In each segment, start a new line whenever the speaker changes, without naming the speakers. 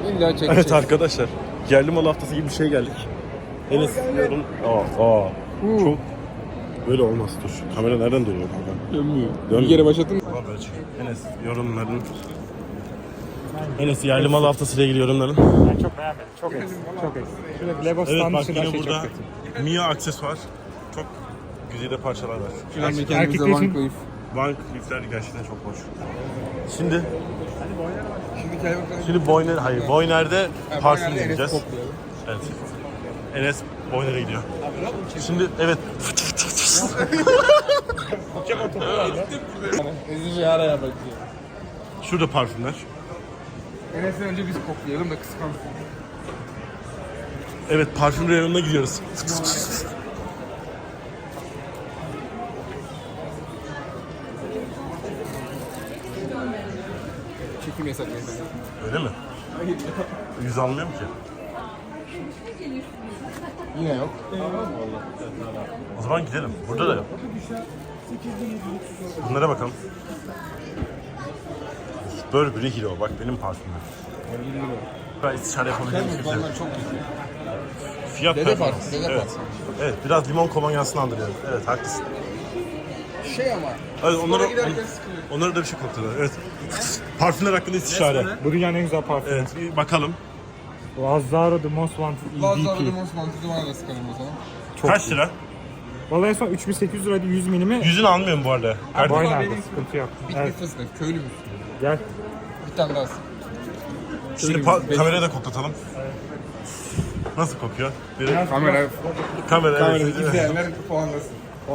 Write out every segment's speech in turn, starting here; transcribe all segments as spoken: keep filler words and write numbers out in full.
İlla çekeceğiz.
Evet arkadaşlar. Yerli mal haftası gibi bir şey geldik. Enes yorum. Aa, aa. Çok böyle olmaz, dur. Kamera nereden dönüyor kanka?
Dönmüyor.
Dönmüyor.
Bir kere başlattın mı?
Tamam böyle çek. Enes yorumların. Enes yerli mal haftası ile ilgili yorumların.
Ben çok beğenmedim. Çok eksik. Çok eksik. Şurada Lego
Evet
stand
bak
dışında
yine
şey
burada
çok kötü.
Mia aksesuar. Çok güzide parçalar var.
Şuradan bir
Erkek
kendimize
için-
bank koyup.
Bank lifler gerçekten çok hoş. Şimdi
Şimdi gel bakalım.
şimdi Boyner, hayır Boyner'de parfüm
Boyner'de Enes'i
deneyeceğiz.
koklayalım.
Evet. Enes Boyner'e gidiyor. Şimdi evet.
Ezici şey araya bakıyor.
Şurada parfümler.
Enes'den önce biz koklayalım da kıskansın.
Evet parfüm reyonuna gidiyoruz.
Çekim yasak mesela.
Öyle mi? Yüz almıyorum ki.
Yine yok.
O zaman gidelim. Burada da yok. Bunlara bakalım. Burberry Hero. Bak benim parfümüm. Ben istişare yapabildiğim bir şey.
Vallahi çok güzel.
Fiyat
Dede
performans.
parfüm, dede
Evet.
parfüm.
Evet, biraz limon kolonyasını andırıyor. Evet, haklısın.
Şey ama.
Evet, onları,
Spora giderken sıkılıyor.
onları da bir şey koktular. Evet. Parfümler hakkında istişare.
Bu dünyanın en güzel parfümü.
Evet, bir bakalım.
Lazzaro The Most Wanted
Lazlar'da
E D P.
Most Mantıklı bana da sıkalım o zaman.
Çok
Kaç
iyi.
lira?
Vallahi en son üç bin sekiz yüz liraydı yüz milimi.
Yüzünü almıyorum bu arada. Kardeşim.
Boyner'de
benim-
sıkıntı yok.
Bir
Evet,
evet. fıstık, köylü müsün?
gel.
Bir tane daha sık.
Şimdi pa- kameraya da koklatalım. Nasıl kokuyor? Biri...
Kamera,
Kamera,
kamera
evet.
izleyenler puanlasın.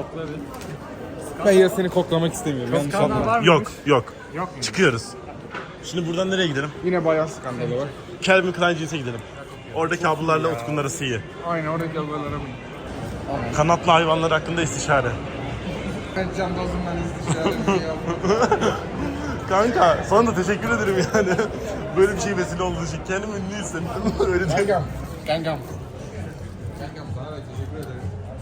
Ben ya seni koklamak istemiyorum. Yanlış
Skandal
anlama.
var mı?
Yok, yok.
Yok mu?
Çıkıyoruz. Şimdi buradan nereye gidelim?
Yine bayağı skandalı var.
Calvin Klein Jeans'e gidelim. Oradaki ablalarla Utku'nun arası iyi.
Aynen oradaki albalara mı?
Kanatlı hayvanlar hakkında istişare.
Ben can dozumdan istişaremi yaptım.
Kanka sana da teşekkür ederim yani. Böyle bir şey vesile olduğu için. Kendimi ünlü hissettim. Öyle değil.
Kankam. Kankam. Kankam sana da teşekkür ederim.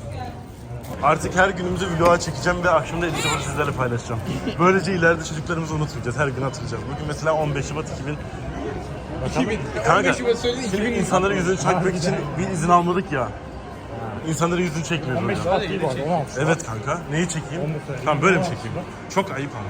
Artık her günümüzü vloga çekeceğim ve akşamda edit yapıp sizlerle paylaşacağım. Böylece ileride çocuklarımızı unutmayacağız. Her gün hatırlayacağız. Bugün mesela on beş Şubat iki bin.
iki bin.
Kanka,
on beş Şubat söyledi, iki
şimdi
bin.
insanların yüzünü çekmek için bir izin almadık ya. İnsanların yüzünü çekmiyoruz
on beş
hocam.
saat değil bu arada. on altı.
Evet kanka. Neyi çekeyim?
Onu da söyleyeyim.
Tamam böyle mi çekeyim? Çok ayıp ama.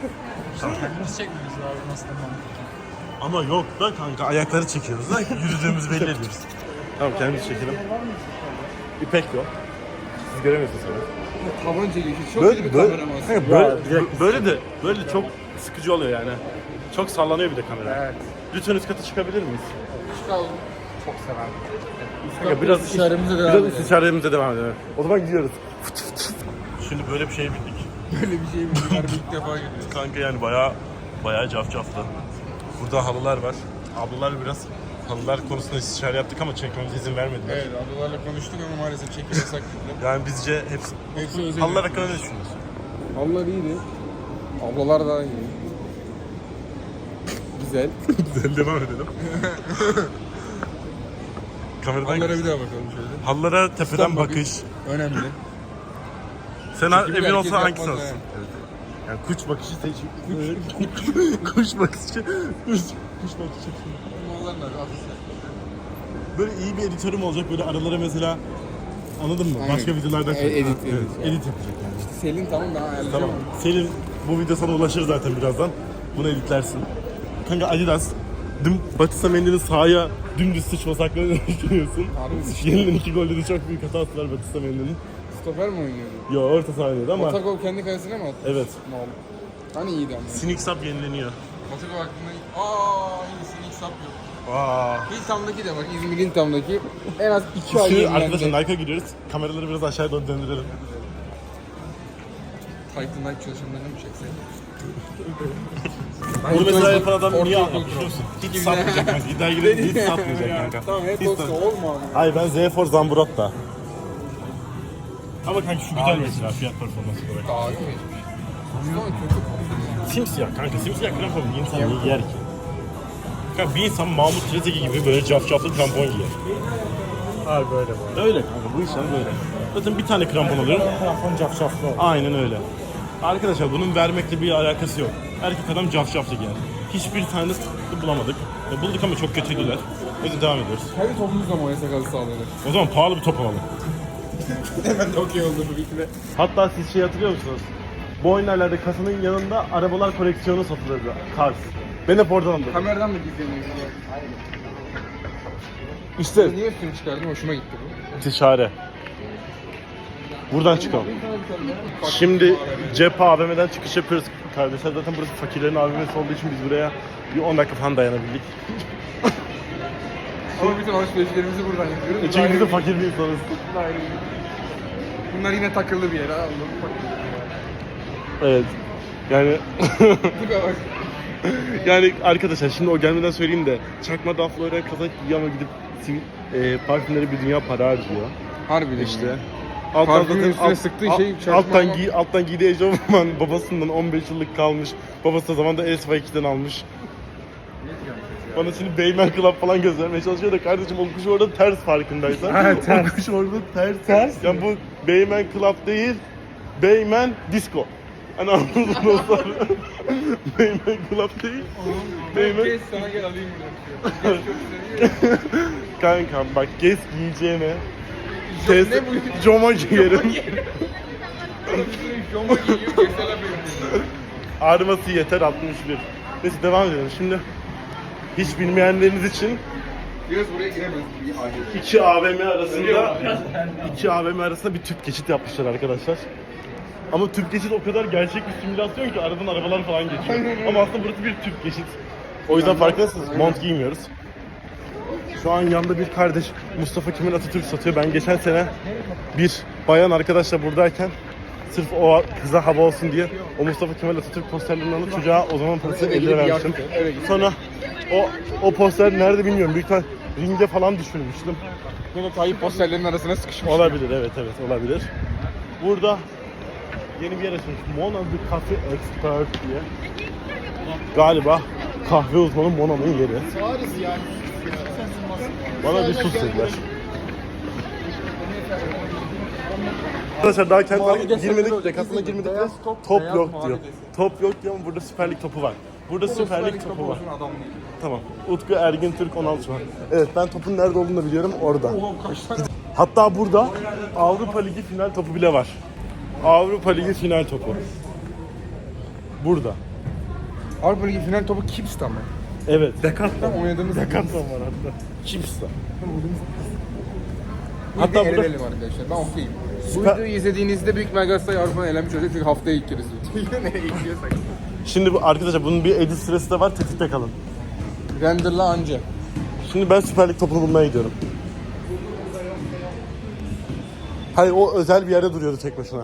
Biz çekmemiz lazım aslında.
Ama yok da kanka ayakları çekiyoruz da yürüdüğümüzü belli ediyoruz. Tamam kendimiz çekelim. İpek yok. Siz göremiyorsunuz sonra.
Taban çekişi çok
Böyle,
iyi bir
böyle,
kameraman.
kanka böyle, böyle de böyle de çok sıkıcı oluyor yani. Çok sallanıyor bir de kamera.
Evet.
Lütfen üst kata çıkabilir miyiz?
Çıkalım.
Çok severim.
Kanka biraz
İstişaremize devam
biraz
edelim.
istişaremize devam edelim. O zaman gidiyoruz. Şimdi böyle bir şey bildik.
Böyle bir şey mi? Bunlar ilk defa görüyoruz.
Kanka yani bayağı bayağı cafcaflı. Burada halılar var. Ablalar biraz halılar konusunda istişare yaptık ama çekmemize izin vermediler.
Evet, ablalarla konuştuk ama maalesef çekim yasak dediler.
Yani bizce hepsi...
Hepsi özel.
Halılar hakkında ne düşünüyorsun?
Ablalar iyiydi. Ablalar da iyi. Güzel.
Güzel devam edelim. Kameradan
Halılara bir daha bakalım şöyle.
Halılara tepeden
Üstten bakış.
bakış.
Önemli.
Sen
Çünkü bir
emin
erkek
olsan hangisi
yapmaz
olsun?
yani.
Evet. Yani kuş bakışı seç. Kuş, kuş bakışı. Kuş, kuş bakışı.
Mallar nerede? Asistan.
Böyle iyi bir editörüm olacak. Böyle aralara mesela anladın mı?
Aynen.
Başka videolardan
E- edit,
Evet,
edit.
edit yapacak yani.
Selin tamam ben ayarlayacağım.
Tamam. Selin bu video sana ulaşır zaten birazdan. Bunu editlersin. Kanka Adidas. Dün Batista Mendy'nin sahaya dümdüz sıçması hakkında ne düşünüyorsun?
Harbi sıçtı.
Yenilen iki golde de çok büyük hatası var Batista Mendy'nin.
Stoper mi oynuyordu?
Yo orta sahadaydı ama
Otago kendi kalesine mi attı?
evet.
Mal. Hani iyiydi ama.
Sinik Sap yenileniyor.
Otago hakkında... Aaa iyi sinik sap yok.
Aa.
Hilltown'daki de bak İzmir Hilltown'daki en az iki ay
Şimdi
yenilendi.
arkadaşlar Nike'a giriyoruz. Kameraları biraz aşağıya doğru döndürelim.
Titan Nike çalışanlarını mı çeksek?
Bunu mesela yapan adam
Orta
niye
okul
anlatmış
pro.
musun? Hiç satmayacak kanka. İddiaya girelim hiç satmayacak kanka.
Tamam hep
Hiç
olsa
sat-
olma abi.
Hayır ben Z Force Zamburotta. Ama kanka şu güzel mesela fiyat performans olarak.
Daha iyi mi? Ama kötü kokuyor.
Simsiyah kanka. Simsiyah krampon bir insan niye giyer ki? Kanka bir insan Mahmut Treteki gibi böyle cafcaflı krampon giyer.
Abi böyle bu.
Öyle kanka bu işler böyle. Zaten bir tane krampon alıyorum.
Krampon cafcaflı oldu.
Aynen öyle. Arkadaşlar bunun vermekle bir alakası yok. Erkek adam cafcaflı giyer. Hiçbir tanesini bulamadık. E, bulduk ama çok kötüydüler. O yüzden devam ediyoruz.
Kendi topumuzla mı oynasa gazı sağlanır?
O zaman pahalı bir top alalım.
Hemen de okey oldu bu fikre.
Hatta siz şey hatırlıyor musunuz? Bu oyunlarda kasanın yanında arabalar koleksiyonu satılırdı. Cars. Ben hep oradan aldım.
Kameradan mı gizleniyorsun?
İşte
Niye üstünü çıkardın? Hoşuma gitti bu.
istişare. Buradan çıkalım. Şimdi Cep A V M'den çıkış yapıyoruz kardeşler. Zaten burası fakirlerin A V M'si olduğu için biz buraya bir on dakika falan dayanabildik.
Ama bütün alışverişlerimizi buradan yapıyoruz.
Çünkü biz de fakir bir insanız.
Bunlar yine takıldı bir yere. Allah'ım.
Evet. Yani
Tipe bak.
yani arkadaşlar şimdi o gelmeden söyleyeyim de çakma dafla öğren kazak giyiyor ama gidip sivil e, parfümlere bir dünya para harcıyor.
Harbiden
İşte.
ya.
Alttan
Parfümün
zaten
üstüne
alt-
sıktığı
alt-
şey çakma
alttan
ama-
giy alttan giydiği eşofman babasından on beş yıllık kalmış. Babası da zamanında S Y ikiden almış. Bana şimdi Beymen Club falan göstermeye çalışıyor da kardeşim o kuş orada ters farkındaysan.
Ha, ters.
O kuş orada ters.
Ters
Yani bu Beymen Club değil, Beymen Disco. Hani anladın mı dostlar? Beymen Club değil, Beymen...
Geç sana gel alayım bunu. Geç çok seviyor.
Kankam bak gez giyeceğime
Jo-
test,
ne bu?
Joma giyerim.
Jomba giyiyor, geçsene benim.
Ağrıması yeter altmış bir. Neyse devam edelim. Şimdi hiç bilmeyenleriniz için
Biraz buraya giremez. Bir aile.
iki A V M arasında iki A V M arasında bir tüp geçit yapmışlar arkadaşlar. Ama tüp geçit o kadar gerçek bir simülasyon ki aradan arabalar falan geçiyor. Ama aslında burası bir tüp geçit. O yüzden farkındasınız. Mont giymiyoruz. Şu an yanında bir kardeş Mustafa Kemal Atatürk satıyor. Ben geçen sene bir bayan arkadaşla buradayken sırf o kıza hava olsun diye o Mustafa Kemal Atatürk posterlerini alıp çocuğa o zaman parasını
Eve
elli
gidip
vermiştim.
yaktı, eve gidip.
Sonra o o poster nerede bilmiyorum. Büyük ihtimal ringde falan düşürmüştüm.
Yine Tayyip posterlerin arasına sıkışmış.
Olabilir, evet evet olabilir. Burada yeni bir yer açmış. Mona the Cafe Expert diye. Galiba kahve uzmanı Mona'nın yeri. Bana bir sus dediler. Arkadaşlar daha kendine girmedik, dekatına girmedik de
top,
top
beyaz
yok
mavi
diyor.
desin.
Top yok diyor ama burada Süper Lig topu var. Burada Süper Lig topu var.
Adam değil.
Tamam. Utku Ergin Türk on altı var. Evet ben topun nerede olduğunu da biliyorum orada.
Oğlum kaç tane?
Hatta burada Avrupa Ligi final topu bile var. Avrupa Ligi final topu. Burada.
Avrupa Ligi final topu Kips'ta mı?
Evet.
Tam oynadığımız
Decathlon var hatta. Chips'ta.
Hatta
Hatta burada
eğlenelim arkadaşlar. Ben okeyim. Bu
Süper-
videoyu izlediğinizde büyük ihtimal Galatasaray Avrupa'dan elenmiş olacak çünkü haftaya ilk kere izliyoruz. Nereye gidiyorsak.
şimdi bu arkadaşlar bunun bir edit süresi de var. Tetikte kalın.
Renderla anca.
Şimdi ben Süper Lig topunu bulmaya gidiyorum. Hayır o özel bir yerde duruyordu tek başına.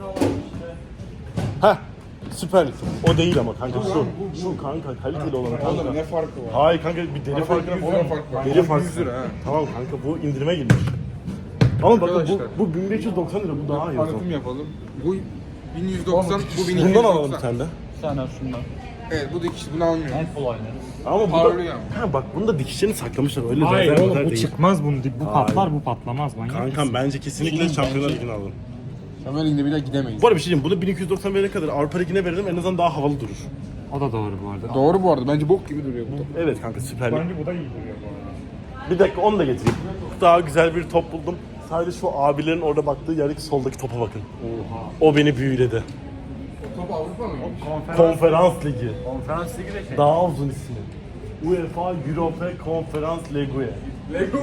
Heh. Süper Lig topu. O değil ama kanka şu. Şu kanka kaliteli olan kanka.
Oğlum ne farkı var?
Hayır kanka bir deri farkı
yüz lira fark var.
Deri farkı.
yüz lira ha.
Tamam kanka bu indirime girmiş. Ama bakın bu,
Arkadaşlar.
bu bin beş yüz doksan lira bu daha iyi. o zaman.
Tanıtım yapalım. Bu bin yüz doksan, bu bin iki yüz doksan.
Bundan alalım bir tane de.
Sen al şundan.
Evet bu dikişli bunu almıyorum.
En kolay ne?
Ama bu
Parlıyor
da,
ama.
ha bak bunu da dikişlerini saklamışlar öyle
Hayır
rezervler
oğlum bu
değil.
çıkmaz bunun. Bu patlar bu patlamaz. Manyak
Kankam
mısın?
bence kesinlikle
Benim
Şampiyonlar
bence-
Ligi'ni alın.
Şampiyonlar Ligi'nde bile gidemeyiz.
Bu arada bir şey diyeyim, bunu bin iki yüz doksan verene kadar Avrupa Ligi'ne verelim en azından daha havalı durur.
O da doğru bu arada.
Doğru bu arada. Bence bok gibi duruyor bu top.
Evet kanka Süper Lig.
Bence bu da iyi duruyor bu arada.
Bir dakika onu da getireyim. Daha güzel bir top buldum. Sadece şu abilerin orada baktığı yerdeki soldaki topa bakın. O beni büyüledi.
O top Avrupa mı?
Konferans Ligi.
Konferans ligi de şey.
Daha uzun ismi. UEFA Europa Konferans Ligue.
Lego.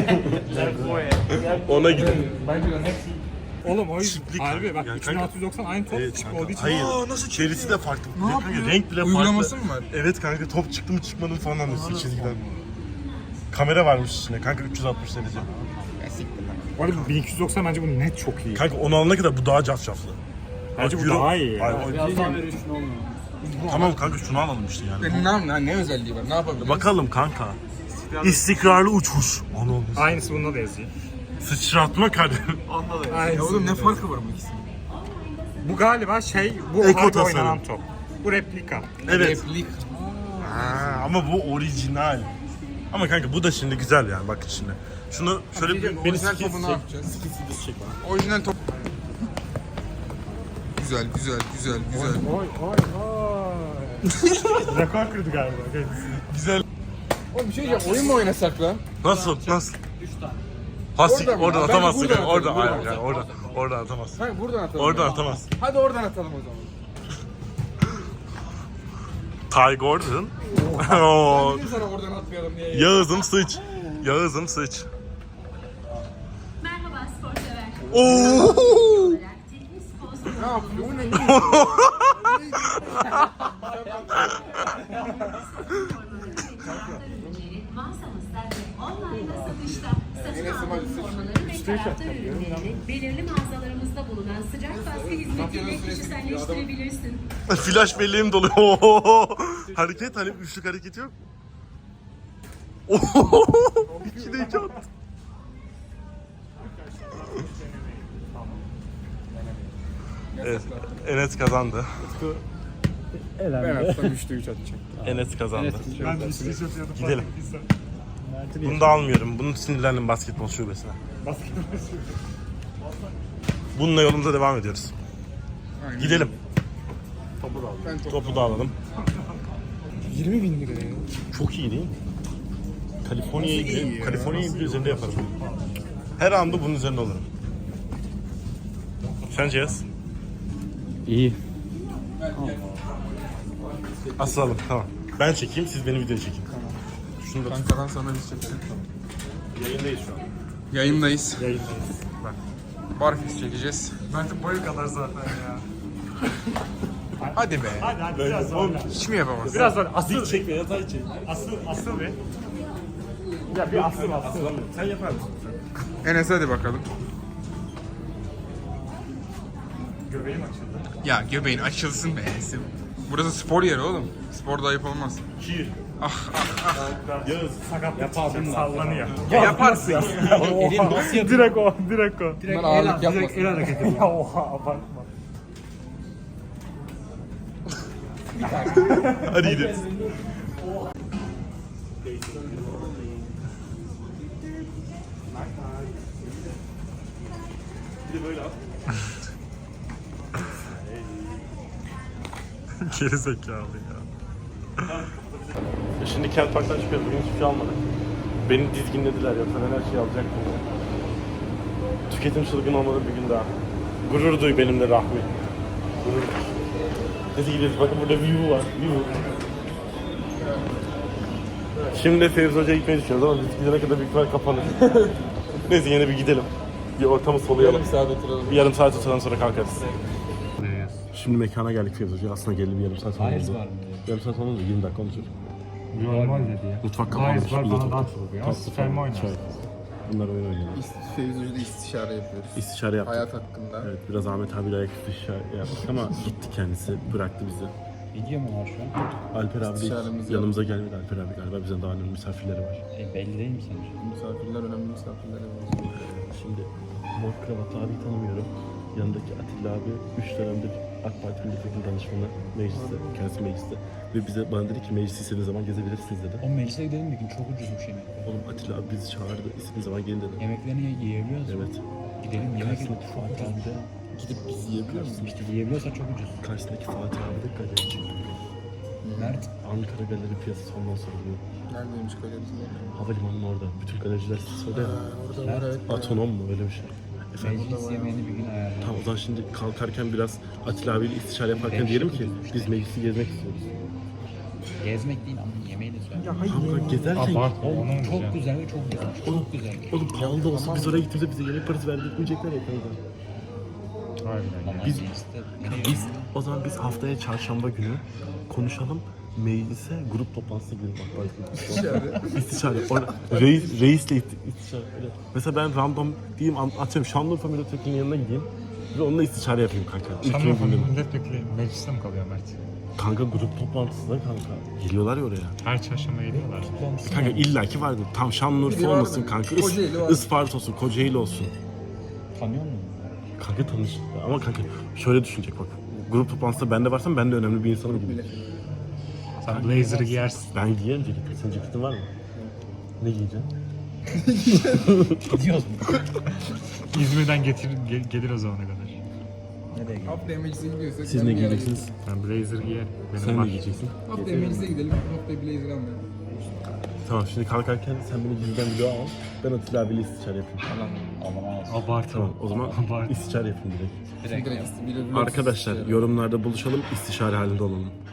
Ona gidin.
Bence de hepsi.
Oğlum o yüzden.
Çiftlik
Harbi bak
yani
üç bin altı yüz doksan aynı top
Evet
çık
kanka.
olduğu için.
Hayır.
Aa, nasıl çıktı?
Derisi de farklı.
Ne
Kanka,
yapıyor?
renk bile
Uygulaması
farklı.
mı var?
Evet kanka top çıktı mı çıkmadı mı falan anlıyorsun çizgiden. Kamera varmış içinde kanka üç yüz altmış derece.
Ya siktir lan.
Bu arada bin iki yüz doksan bence bu net çok iyi.
Kanka onu alana kadar bu daha cafcaflı.
Bence bu
Euro-
daha iyi ya.
Hayır, o- Tamam kanka şunu alalım işte yani.
Benim ne, ne, ne özelliği var? Ne yapabiliriz?
Bakalım kanka. İstikrarlı uçuş. Onu olmuş.
Aynısı bunda da yazıyor.
Sıçratma kardeşim.
Ya oğlum ne farkı var bu ikisinin?
Bu galiba şey, bu
Eko
harbi
tasarım.
oynanan top. Bu replika.
Evet.
Replik.
Ha, ama bu orijinal. Ama kanka bu da şimdi güzel yani bakın şimdi. Şunu şöyle bir, beni
Orijinal
skis
topu ne
çek.
yapacağız?
Skis videosu çek bana.
Orijinal top. Güzel, güzel, güzel, güzel.
Oy oy oy. Rekor kırdı galiba.
Güzel.
Oğlum bir şey diyeceğim, oyun mu oynasak lan?
Nasıl? Nasıl? Hasik
Oradan mı?
oradan
Bence
atamazsın.
buradan
yani, Oradan,
atalım,
aynen,
buradan.
yani, oradan, oradan atamazsın.
Kanka buradan atalım.
Oradan
ya.
atamazsın.
Hadi oradan atalım o zaman.
Ty Gordon. Oo.
Dedim sana oradan atmayalım diye.
Yağız'ım sıç. Yağız'ım sıç.
Merhaba spor sever.
Oo.
Olarak teknik spor
Ne yapıyor? Bu ne?
ürünleri mağazamızda ve online'da satışta. Satın
Enes'im hadi
aldığınız
sıç.
formaları ve taraftar ürünlerini belirli mağazalarımızda bulunan sıcak baskı hizmetiyle kişiselleştirebilirsin.
Flash belleğim doluyor. Oo. Hareket hani üçlük hareket yok. Oo. İkide iki attı. Evet, Enes kazandı.
Ben atsam üçte üç atacak.
Enes kazandı.
Ben de istiyorsan yapıp
Gidelim. Bunu da almıyorum. Bunu sinirlendim basketbol şubesine. Bununla yolumuza devam ediyoruz.
Aynen.
Gidelim.
Ben top.
Topu da alalım.
yirmi bin lira ya.
Çok iyi değil mi? Kaliforniya'ya
Nasıl iyi
gidelim.
ya?
Kaliforniya'yı bir üzerinde yaparım. Her anda bunun üzerinde olurum. Sence Yaz?
İyi.
Asalım tamam. Ben çekeyim, siz beni video çekin. Şunu da tut.
Kankadan sonra biz çekelim.
Yayındayız şu an.
Yayındayız.
Yayındayız.
Barfix çekeceğiz.
Mert'in boyu kadar zaten ya.
Hadi be.
Hadi hadi biraz sonra.
Hiç mi yapamazsın?
Biraz sonra asıl
Dik çek ve yatay çek.
asıl asıl bir. Ya bir asıl asıl.
Sen yapar mısın?
Enes hadi bakalım.
Göbeğim açıldı.
Ya göbeğin açılsın be Enes'im. Burası spor yeri oğlum. Sporda ayıp olmaz.
Kir.
Ah ah ah.
Yağız.
Sakatlık çıkacak sallanıyor.
Ya yaparsın.
Oha. Direkt o, direkt o.
Bunlar ağırlık yapmasın.
hareketi. Ya oha abartma.
Hadi gidelim. Bir de böyle al.
Geri zekalı ya.
Şimdi Kent Park'tan çıkıyoruz. Bugün hiçbir şey almadık. Beni dizginlediler ya. Ben her şeyi alacaktım. Tüketim çılgın olmadı bir gün daha. Gurur duy benimle Rahmi. Gurur duy. Neyse gidiyoruz. Bakın burada view var. View. Şimdi de Fevzi Hoca'ya gitmeyi düşünüyoruz ama biz gidene kadar büyük ihtimal kapanır. Neyse yine bir gidelim. Bir ortamı soluyalım.
Yarım saat oturalım.
Bir yarım saat oturalım sonra kalkarız. Şimdi mekana geldik Fevzi Hoca. Aslında geldi bir yarım saat sonra oldu. Yarım saat sonra oldu. yirmi dakika olmuş.
Normal dedi ya.
Mutfak kapanmış.
Gayet var
Biz de
bana
çok-
dans oluyor. Ama
Tatlı
sperm
falan,
oynar.
çay. Bunlar oyun oynuyorlar.
Fevzi Hoca'da istişare yapıyoruz.
İstişare yaptık.
Hayat hakkında.
Evet biraz Ahmet abiyle ayak istişare yaptık ama gitti kendisi. Bıraktı bizi.
Video mu var şu an?
Alper abi
İstişaremiz yok.
yanımıza gelmedi. Alper abi galiba bizden daha önemli misafirleri var.
E, belli değil mi sence?
Misafirler önemli misafirler.
Şimdi mor kravatlı abi tanımıyorum. Yanındaki Atilla abi üç dönemdir AK Parti milletvekili danışmanı mecliste, kendisi mecliste. Ve bize bana dedi ki meclisi istediğiniz zaman gezebilirsiniz dedi.
O meclise gidelim bir gün, çok ucuzmuş yemekler.
Oğlum Atilla abi bizi çağırdı, istediğiniz zaman gelin dedi.
Yemeklerini ye- yiyebiliyoruz mu?
Evet.
Gidelim yemek
Karşısındaki
yemek çok
Fatih abi
ucuz.
de,
Gidip biz yiyebiliyor muyuz?
İşte yiyebiliyorsak çok ucuz.
karşısındaki Fatih abi de galerci.
Mert,
Ankara galeri piyasası ondan sonra bu.
Neredeymiş galerisi?
Havalimanının orada. Bütün galericiler söyle.
Orada var evet.
Atonom mu öyle bir şey. Efendim?
meclis yemeğini bir gün ayarlayalım.
Tamam o zaman şimdi kalkarken biraz Atilla abiyle istişare yaparken diyelim ki biz meclisi gezmek istiyoruz.
Gezmek değil ama yemeği de söyle.
Tamam kanka gezerken
Abartma
Oğlum
onun
çok
için.
güzel ve çok güzel. Çok güzel.
oğlum pahalı da olsa biz oraya gittiğimizde bize yemek parası verdirtmeyecekler ya kanka.
Harbiden ya.
Ama
Biz-
mecliste
Biz o zaman biz haftaya çarşamba günü konuşalım. Meclise grup toplantısına gidelim bak bak.
İstişare.
İstişare. Orada reis, reisle isti- istişare. Öyle. Mesela ben random diyeyim an- atıyorum Şanlıurfa milletvekilinin yanına gideyim. Ve onunla istişare yapayım kanka. Ülkenin
Şanlıurfa
gündemi.
milletvekili mecliste mi kalıyor Mert?
Kanka grup toplantısında kanka. Geliyorlar ya oraya.
Her çarşamba geliyorlar.
Kanka illaki vardır. Tam Şanlıurfa
Biri
olmasın
vardır.
kanka. Is-
Kocaeli var.
Isparta olsun, Kocaeli olsun.
Tanıyor musun?
Kanka tanış. Ama kanka şöyle düşünecek bak. Grup toplantısında ben de varsam ben de önemli bir insanım gibi.
Sen blazer'ı giyersin.
Ben giyerim ceketi. Senin ceketin var mı? Ne giyeceksin?
Gidiyoruz mu?
İzmir'den getirir, ge- gelir o zamana kadar.
Nereye gidiyoruz?
Haftaya meclise gidiyorsak.
Siz
ben
ne
bir yere
giyeceksiniz?
Ben blazer giyerim. Benim
Sen
var.
ne giyeceksin?
gideyim. Haftaya meclise gidelim. Haftaya blazer almayalım.
Tamam şimdi kalkarken sen beni gizliden video al. Ben Atilla abiyle istişare yapayım.
Allah'ım.
Abart.
Tamam o zaman istişare yapayım direkt.
Direkt.
Direkt bir- bir-
Arkadaşlar yorumlarda buluşalım, istişare halinde olalım.